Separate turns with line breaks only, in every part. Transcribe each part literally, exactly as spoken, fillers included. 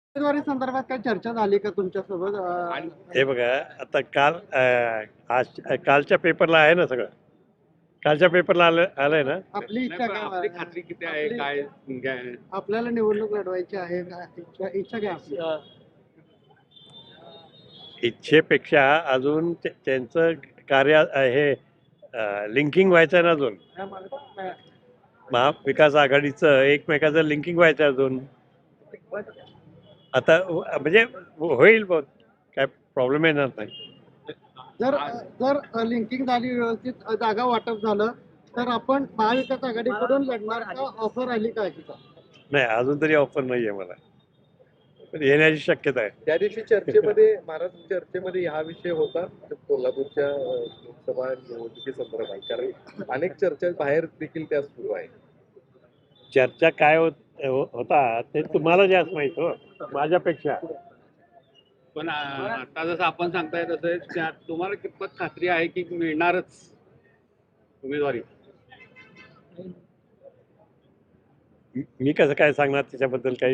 उमेदवारी संदर्भात काही चर्चा झाली का तुमच्यासोबत? अ,
हे बघा आता काल अं, आज कालच्या पेपरला आहे ना सगळं. कालच्या पेपरला आलं आलंय ना.
आपली इच्छा काय?
आपली खात्री किती आहे? काय काय
आपल्याला निवडणूक लढवायची आहे का? इच्छा इच्छा काय आपली?
इच्छेपेक्षा अजून ते- त्यांचं कार्य अं, हे लिंकिंग व्हायचं आहे ना अजून. महाविकास आघाडीचं एकमेकाचं लिंकिंग व्हायचं आहे अजून. आता व- म्हणजे होईल बहुत काय प्रॉब्लेम येणार नाही.
जर जर लिंकिंग झाली, व्यवस्थित जागा वाटप झालं तर आपण महाविकास आघाडीकडून लढणार का? ऑफर आली का याची?
नाही अजून तरी ऑफर नाही आहे मला, पण येण्याची शक्यता आहे.
त्या दिवशी चर्चेमध्ये महाराष्ट्र चर्चेमध्ये हा विषय होता कोल्हापूरच्या अं, लोकसभा निवडणुकी संदर्भात, कारण अनेक चर्चा बाहेर देखील त्या सुरू आहे.
चर्चा काय होत हो- होता ते तुम्हाला जास्त माहित हो माझ्यापेक्षा.
पण आ, आता जसं आपण सांगताय तसं त्या- तुम्हाला कितपत खात्री आहे की मिळणारच उमेदवारी?
मी कसं काय सांगणार त्याच्याबद्दल काही.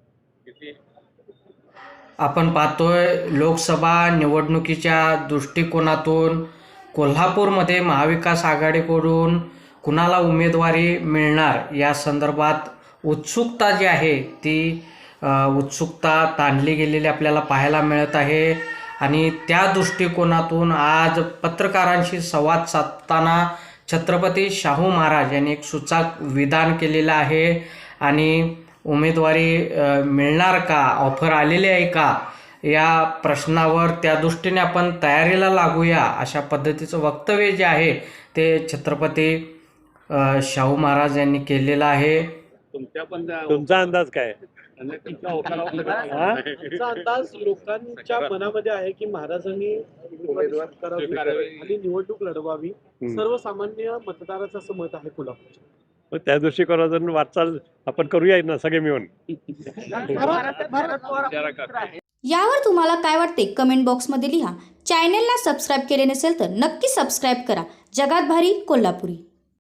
आपण पाहतोय लोकसभा निवडणुकीच्या दृष्टिकोनातून कोल्हापूरमध्ये महाविकास आघाडीकडून कुणाला उमेदवारी मिळणार या संदर्भात उत्सुकता जी आहे ती अ, उत्सुकता ताणली गेलेली आपल्याला पाहायला मिळत आहे. आणि त्या दृष्टिकोनातून आज पत्रकारांशी संवाद साधताना छत्रपती शाहू महाराज यांनी एक सूचक विधान केलेलं आहे. आणि उमेदवारी अ, मिळणार का, ऑफर आलेली आहे का या प्रश्नावर त्या दृष्टीने आपण तयारीला लागूया अशा पद्धतीचं वक्तव्य जे आहे ते छत्रपती अ, शाहू महाराज यांनी केलेलं आहे.
तुमच्या पण त्या-
तुमचा अंदाज काय?
तुमच्या ओठाला-
हा?
आमचा अंदाज लोकांच्या मनामध्ये आहे की महाराजांनी उमेदवारी स्वीकारावी
स्वीकारावी.
आणि निवडणूक लढवावी.
हम्म.
सर्वसामान्य मतदाराचं असं मत आहे कोल्हापूरच्या.
मग त्या दृष्टिकोनातून वाटचाल आपण करूया ना सगळे मिळून.
विचारा का?
यावर तुम्हाला काय वाटते कमेंट बॉक्समध्ये लिहा. चॅनेलला सबस्क्राईब केले नसेल तर नक्की सबस्क्राईब करा. जगात भारी कोल्हापुरी.